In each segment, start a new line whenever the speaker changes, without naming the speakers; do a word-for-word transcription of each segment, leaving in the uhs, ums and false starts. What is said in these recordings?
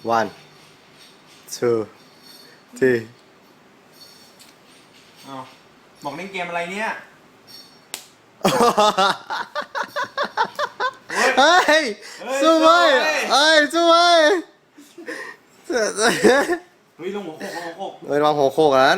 one two three
อ้าวบอกเล่นเกมอะไรเนี่ย
เฮ้ยสู้เว้ยเฮ้ยสู้เว้ย
เฮ้ยลงหัวโขกลงหัวโขก
เฮ้ยระวังหัวโขกนั้น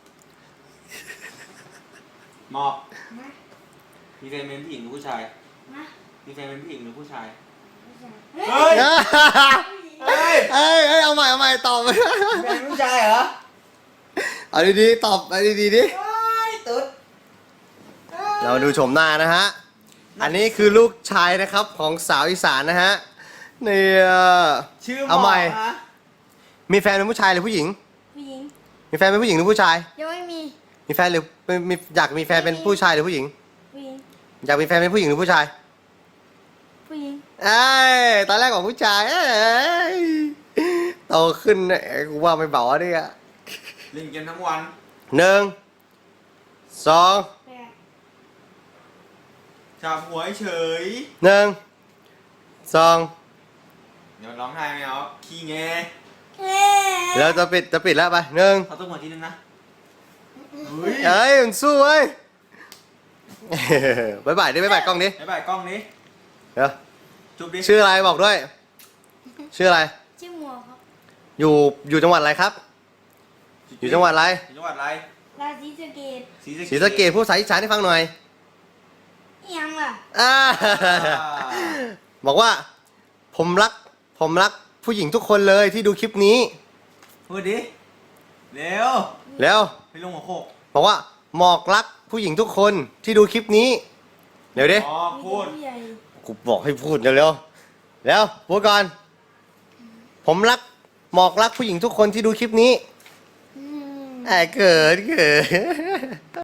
หมอกมีแฟนเป็นผู้หญิงหรือผู้ชาย
นะ
มีแฟนเป็นผู้หญิงหรือผู้ชาย
เฮ้ย
เฮ้ย
เฮ้ยเฮ้ยเอาใหม่เอาใหม่ตอบ
แฟนผู้ชายเหรอ
เอาดีๆตอบเอาดีๆดิ
เฮ้ยตุ๊ด
เรามาดูชมหน้านะฮะอันนี้คือลูกชายนะครับของสาวอีสานนะฮะนี่
ชื่อหม
เอา
อ
ใหม่
กนะ
มีแฟนเป็นผู้ชายหรือผู้หญิง
ผู้หญิง
มีแฟนเป็นผู้หญิงหรือผู้ชาย
ยังไม่มี
มีแฟนหรือมีมีอยากมีแฟนเป็นผู้ชายหรือผู้หญิง
ผู้หญิง
อยากมีแฟนเป็นผู้หญิงหรือผู้ชาย
ผู้หญิง
เอ้ยตอนแรกบอกผู้ชายเอ้ยโตขึ้นเนี่ยกูว่าไม่เบาเนี่ย
เล่นเกมทั้งวัน
หนึ่งสอง
แปด
จับหัวเฉย
หนึ่งสอง
เดี๋ยวร้องไห้ไม่เอาขี้แง
เฮ้
แล้วจะปิดจะปิดแล้วไปหนึ่ง
เขาต้องหัวทีนึงนะเฮ้ย
เอ้ยมันสู้เว้ย บายบายดิบายบายกล้องดิ
บ๊ายบายกล้องนี้
เดี๋ยว
จุ๊บดิ
ชื่ออะไรบอกด้วย ชื่ออะไร
ชื่อหมวกครับ
อยู่อยู่จังหวัดอะไรครับ อยู่จังหวัดอะไร
อยู่จังหวัดอะไร
ราศีสะเกด
ศรี
ศรีสะเกษพูดภาษาอีสานให้ฟังหน่อย
ยังล่ะ
อ่า บอกว่า ผมรัก ผมรักผู้หญิงทุกคนเลยที่ดูคลิปนี้
พูดดิเร็ว
แล้ว
ไปลงหัวโขก
บอกว่าหมอกรักผู้หญิงทุกคนที่ดูคลิปนี้เดี๋ยวดิ
อ๋อพูด
ผู้ใหญ่
กูบอกให้พูดเร็วๆแล้วพูดก่อน ผมรักหมอกรักผู้หญิงทุกคนที่ดูคลิปนี้
อืม
ไอ้เกิดเกิด